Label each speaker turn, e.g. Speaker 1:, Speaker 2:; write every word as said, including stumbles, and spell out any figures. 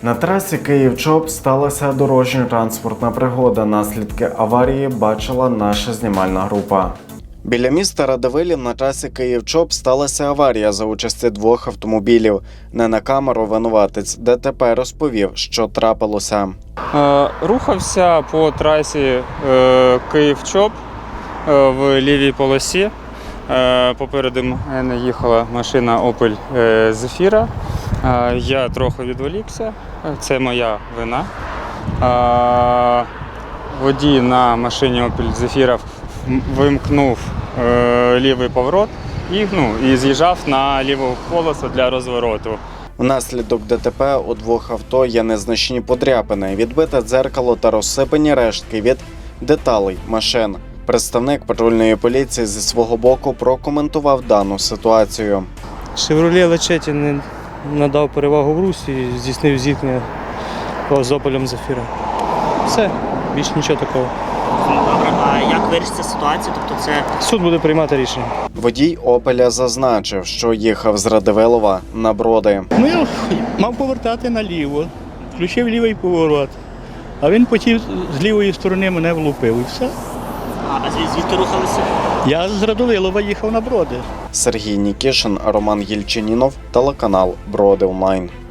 Speaker 1: На трасі Київ-Чоп сталася дорожньо-транспортна пригода. Наслідки аварії бачила наша знімальна група. Біля міста Радивилів на трасі Київ-Чоп сталася аварія за участі двох автомобілів. Не на камеру винуватець ДТП розповів, що трапилося.
Speaker 2: Е, рухався по трасі е, Київ-Чоп е, в лівій полосі. Е, попереду мене їхала машина Opel е, Zafira. Е, я трохи відволікся, це моя вина. Е, водій на машині Opel Zafira вимкнув е, лівий поворот і, ну, і з'їжджав на ліву полосу для розвороту.
Speaker 1: Внаслідок ДТП у двох авто є незначні подряпини, відбите дзеркало та розсипані рештки від деталей машин. Представник патрульної поліції зі свого боку прокоментував дану ситуацію.
Speaker 3: «Шевроле Лачетті» не надав перевагу в русі і здійснив зіткнення з «Опелем Зафіра». Все, більше нічого такого.
Speaker 4: Добре, а як вирішиться ситуація? Тобто це
Speaker 3: Суд буде приймати рішення.
Speaker 1: Водій «Опеля» зазначив, що їхав з Радивилова на Броди.
Speaker 5: Ну, я мав повертати наліво, включив лівий поворот, а він потім з лівої сторони мене влупив і все.
Speaker 4: а звід- звідки рухалися?
Speaker 5: Я з Радивилова їхав на Броди.
Speaker 1: Сергій Нікішин, Роман Єльчинінов, телеканал «Броди онлайн».